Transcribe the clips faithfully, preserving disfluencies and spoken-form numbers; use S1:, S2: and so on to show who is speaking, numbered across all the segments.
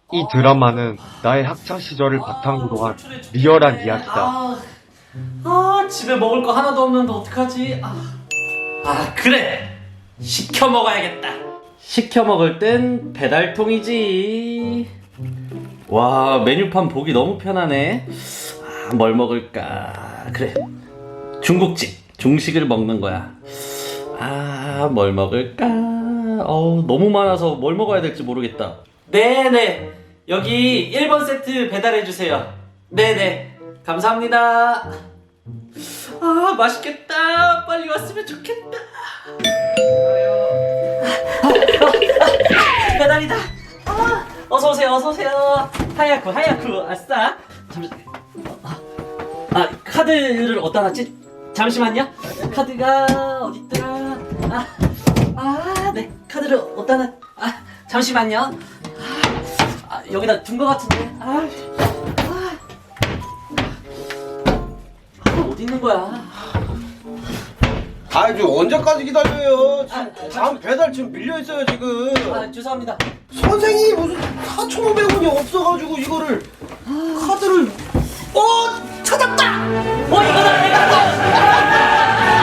S1: 이 드라마는 나의 학창 시절을 바탕으로 한 리얼한 이야기다.
S2: 아, 아 집에 먹을 거 하나도 없는데 어떡하지? 아, 아 그래 시켜 먹어야겠다. 시켜 먹을 땐 배달통이지. 와 메뉴판 보기 너무 편하네. 아, 뭘 먹을까? 그래 중국집 중식을 먹는 거야. 아 뭘 먹을까? 어 너무 많아서 뭘 먹어야 될지 모르겠다. 네네 여기 일 번 세트 배달해주세요. 네네 감사합니다. 아 맛있겠다. 빨리 왔으면 좋겠다. 아, 아, 배달이다. 아, 어서오세요 어서오세요. 하야쿠 하야쿠 아싸. 잠시 아, 아 카드를 어디다 놨지? 잠시만요. 카드가 어딨더라. 아, 아, 네 카드를 어디다 놨. 아 잠시만요. 아, 아, 여기다 둔 거 같은데. 아, 아, 아 어디 있는 거야?
S3: 아이 저 언제까지 기다려요?
S2: 아, 아,
S3: 다음 배달 지금 밀려있어요 지금.
S2: 아 죄송합니다.
S3: 선생님이 무슨 사천오백 원이 없어가지고 이거를 카드를 어 찾았다.
S2: 어 이거다 내가.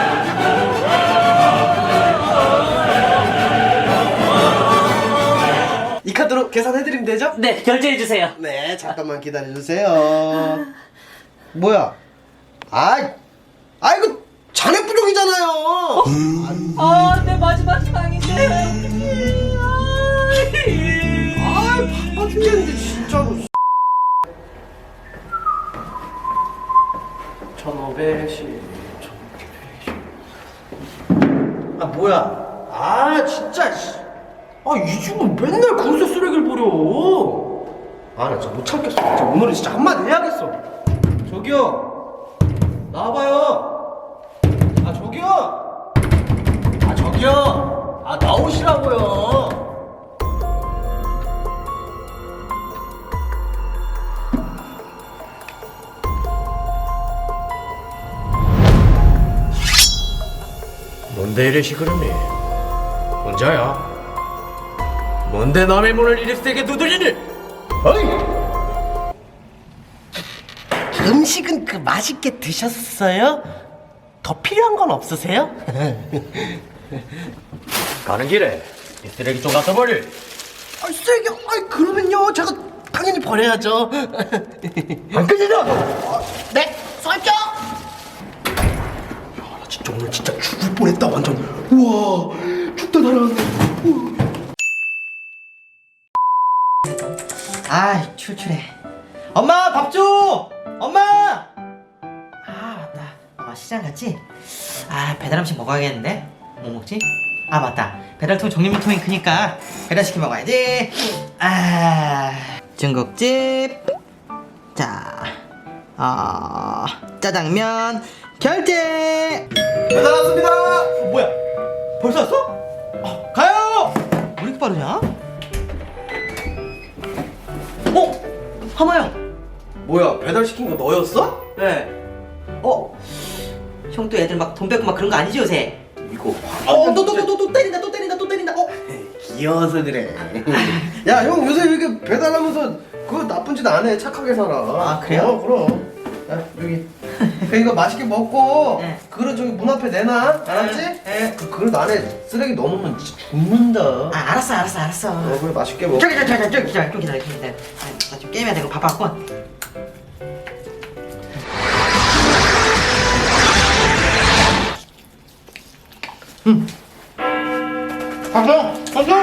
S3: 이 카드로 계산해드리면 되죠?
S2: 네 결제해 주세요.
S3: 네 잠깐만 기다려주세요. 뭐야? 아이 아이고 잔액 부족이잖아요.
S2: 아 내 마지막 희망인데.
S3: 아이 바빠 죽겠는데 진짜로. 천오백십 아 뭐야? 아 진짜 씨. 아이 집은 맨날 그릇에 쓰레기를 버려. 아 나 진짜 못 참겠어. 진짜 오늘은 진짜 한마디 해야겠어. 저기요 나와봐요. 아 저기요. 아 저기요. 아 나오시라고요. 뭔데 이래 시끄럽니? 혼자야? 뭔데 남의 문을 이리 세게 두드리니? 어이! 음식은 그 맛있게 드셨어요? 더 필요한 건 없으세요? 가는 길에 이 쓰레기 좀 갖다 버려. 아 쓰레기? 아 그러면요 제가 당연히 버려야죠. 안 끄지죠? 네, 쏠죠. 나 진짜 오늘 진짜 죽을 뻔했다 완전. 우와 죽다 날아갔네. 우와. 아 출출해. 엄마 밥 줘. 엄마. 아 맞다. 아 시장 갔지? 아 배달 음식 먹어야겠는데. 뭐 먹지? 아 맞다. 배달통 정리물통이 크니까 배달시켜 먹어야지. 아 중국집. 자, 아 짜장면 결제. 배달 왔습니다. 뭐야? 벌써 왔어? 어, 가요. 왜 이렇게 빠르냐? 어? 하마야. 뭐야? 배달 시킨 거 너였어? 네. 어? 형도 애들 막 돈 뺏고 막 그런 거 아니지 요새? 이거. 어, 또 또 또 또 또 때린다 또 때린다 또 때린다. 어? 귀여워서 그래. 야, 형 요새 이렇게 배달하면서 그거 나쁜 짓 안 해. 착하게 살아. 아 그래요? 어, 그럼. 야, 여기. 그 이거 맛있게 먹고
S2: 네.
S3: 그릇 저기 문 앞에 내놔. 알았지? 네. 그 그릇 안에 쓰레기 넣으면 진짜 죽는다.
S2: 아 알았어 알았어 알았어.
S3: 어, 그래 맛있게 먹어.
S2: 저기 저기 저기 저기 기다려 좀 기다려 좀 기다려. 나 지금 게임해야 되고 바빠갖고.
S3: 응. 가서 가서.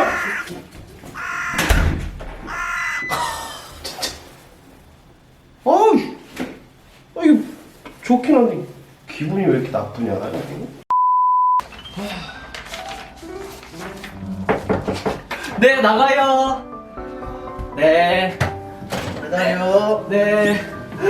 S3: 진짜. 어우. 아 이거 좋긴 한데 기분이 왜 이렇게 나쁘냐?
S2: 네 나가요. 네.
S3: 배달이요.
S2: 네.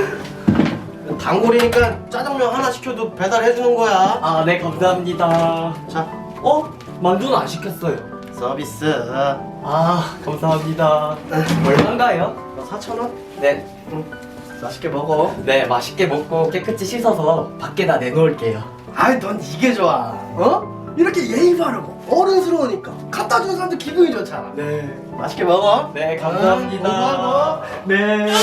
S3: 단골이니까 짜장면 하나 시켜도 배달해 주는 거야.
S2: 아 네 감사합니다.
S3: 자,
S2: 어? 만두는 안 시켰어요.
S3: 서비스.
S2: 아 감사합니다. 얼마인가요?
S3: 사천 원?
S2: 네.
S3: 응. 맛있게 먹어.
S2: 네 맛있게 먹고 깨끗이 씻어서 밖에다 내놓을게요.
S3: 아이, 넌 이게 좋아. 어? 이렇게 예의 바르고 어른스러우니까 갖다 주는 사람도 기분이 좋잖아.
S2: 네.
S3: 맛있게 먹어.
S2: 네, 감사합니다.
S3: 고마워.
S2: 네.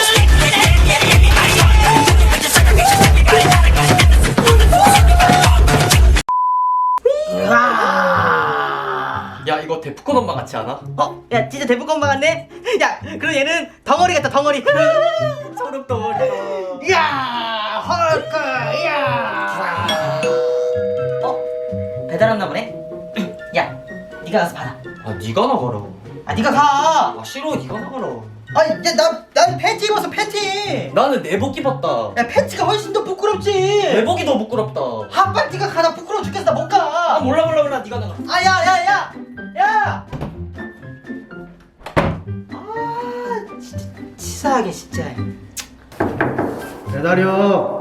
S2: 야, 이거 데프콘 엄마 같지 않아?
S3: 어? 야 진짜 대북 엄마 같네? 야 그럼 얘는 덩어리 같다 덩어리.
S2: 소름 덩어리다.
S3: 야 헐크 야. 어? 배달 왔나 보네? 야 네가 가서 받아.
S2: 아, 네가 나가라.
S3: 아 네가 가.
S2: 아, 싫어. 네가 나가라.
S3: 아니 야나난 팬티 입었어 팬티.
S2: 나는 내복 입었다.
S3: 야 팬티가 훨씬 더 부끄럽지.
S2: 내복이 더 부끄럽다.
S3: 한발 네가 가나 부끄러워 죽겠어 나 못
S2: 아,
S3: 가.
S2: 몰라 몰라 몰라. 네가 나가.
S3: 아 야 야 야 야. 아 진짜 치사하게 진짜.
S4: 배달이요.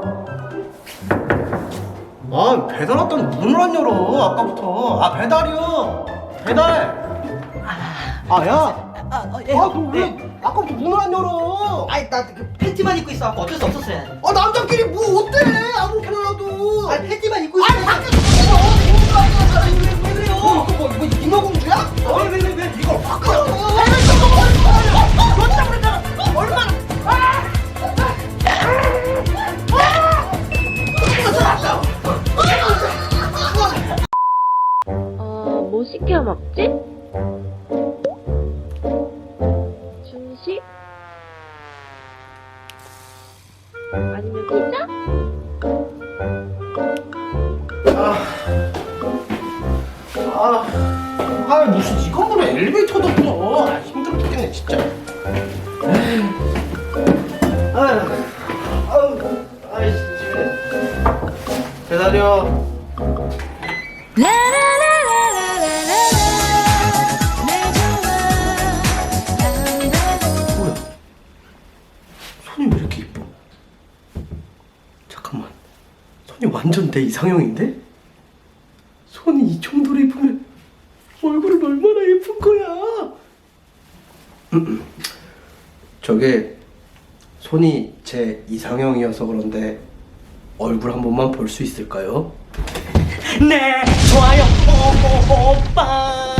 S4: 아 배달 왔더니 문을 안 열어 아까부터. 아 배달이요. 배달. 아 야.
S3: 아, 어, 예.
S4: 아 그럼 왜 아까부터 문을 안 열어?
S3: 아니 나그 팬티만 입고 있어. 어쩔 수 없었어요.
S4: 아 남자끼리 뭐 어때? 아무렇게나 놔도.
S3: 아니 팬티만 입고 있어.
S4: 아니 밖에 왜 그래요? 뭐 이거 뭐 인어공주야? 왜왜왜 왜 이걸 바꿔? 그렇다 그랬잖아. 얼마나?
S5: 어, 뭐 시켜 먹지? 중식? 아니면 피자?
S4: 아, 아 무슨 이 건물에 엘리베이터도 없어. 아, 힘들어 죽겠네 진짜. 아유, 아유, 아이 진짜. 배달이요. 뭐야? 손이 왜 이렇게 이뻐? 잠깐만, 손이 완전 내 이상형인데? 손이 이 정도로 예쁘면 얼굴은 얼마나 예쁜 거야? 음, 저게 손이 제 이상형이어서 그런데 얼굴 한 번만 볼 수 있을까요?
S3: 네 좋아요 오, 오, 오빠.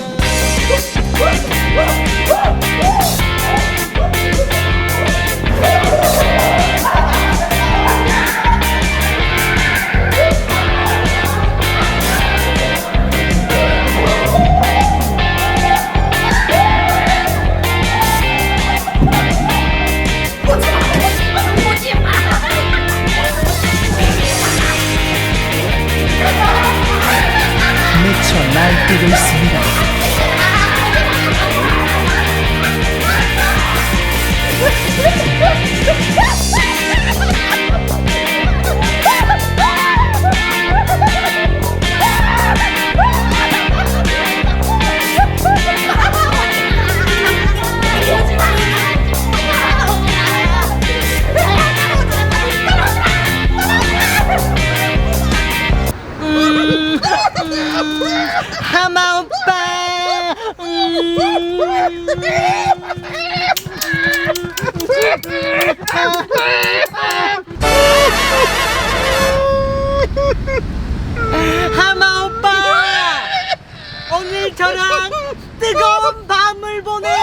S6: 미쳐 날뛰고 있습니다.
S3: 하마 오빠. 음. 하마 오빠. 오늘 저랑 뜨거운 밤을 보내요.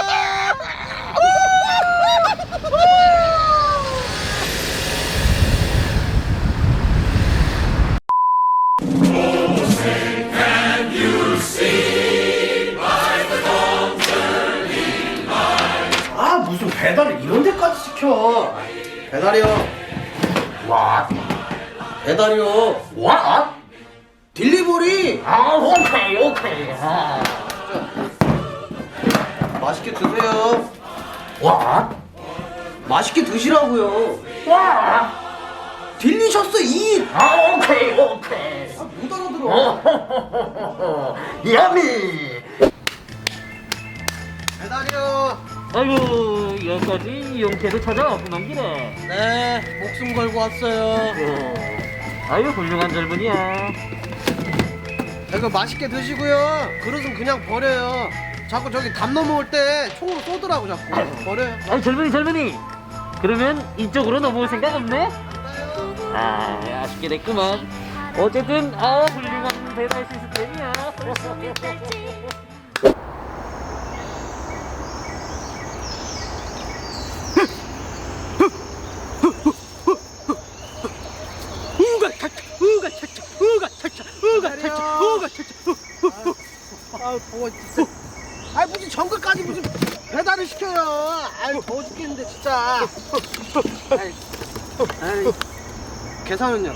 S4: 아 무슨 배달을 이런 데까지 시켜. 배달이요. 와. 배달이요. 와. 딜리버리. 아 오케이 오케이. 아. 맛있게 드세요. 와. 맛있게 드시라고요. 와. 딜리셔스 잇. 아 오케이 오케이. 아, 못 알아들어. 야미. 배달이요.
S2: 아이고, 여기까지 용케도 찾아왔구만 기네.
S3: 네 목숨 걸고 왔어요.
S2: 아유, 훌륭한 젊은이야.
S4: 이거 맛있게 드시고요. 그릇은 그냥 버려요. 자꾸 저기 담 넘어올 때 총으로 쏘더라고 자꾸. 버려요.
S2: 아이, 젊은이 젊은이. 그러면 이쪽으로 넘어올 생각 없네? 아, 아쉽게 됐구만. 어쨌든 아, 훌륭한 배달 시스템이야.
S4: 아우 더워 진짜. 아이 무슨 정글까지 무슨 배달을 시켜요. 아이 더워 죽겠는데 진짜. 아이, 아이, 계산은요?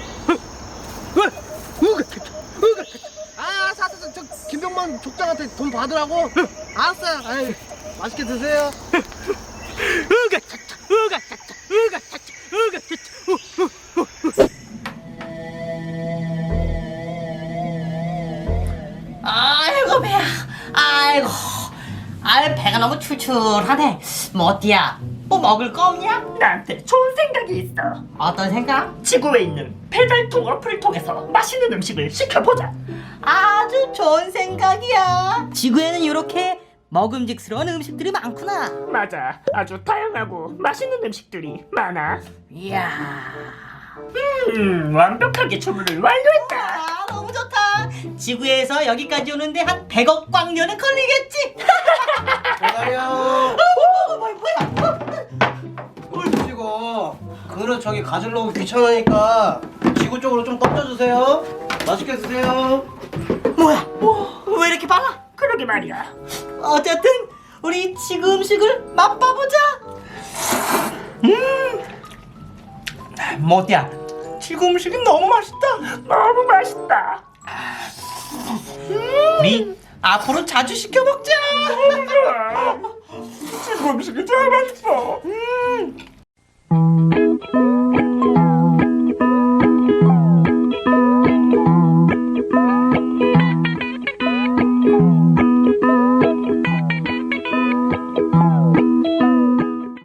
S4: 아, 사사사 저 김병만 족장한테 돈 받으라고. 알았어요. 아이, 맛있게 드세요.
S3: 아이고 배야. 아이고. 아이 배가 너무 출출하네. 뭐 어디야? 뭐 먹을 거 없냐?
S7: 나한테 좋은 생각이 있어.
S3: 어떤 생각?
S7: 지구에 있는 배달통 어플을 통해서 맛있는 음식을 시켜보자.
S3: 아주 좋은 생각이야. 지구에는 이렇게 먹음직스러운 음식들이 많구나.
S7: 맞아. 아주 다양하고 맛있는 음식들이 많아.
S3: 이야.
S7: 음, 완벽하게 주문을 완료했다.
S3: 아, 너무 좋다. 지구에서 여기까지 오는데 한 백억 광년은 걸리겠지?
S4: 배달이요.
S3: 뭐야, 뭐야?
S4: 물 드시고 그릇 저기 가지려고 귀찮으니까 지구 쪽으로 좀 던져주세요. 맛있게 드세요.
S3: 뭐야? 뭐, 왜 이렇게 빨라?
S7: 그러게 말이야.
S3: 어쨌든 우리 지구 음식을 맛봐보자. 음, 뭐야? 지구 음식이 너무 맛있다.
S7: 너무 맛있다.
S3: 우리 앞으로 자주 시켜 먹자.
S7: 지구 음식이 제일 맛있어.
S3: 음.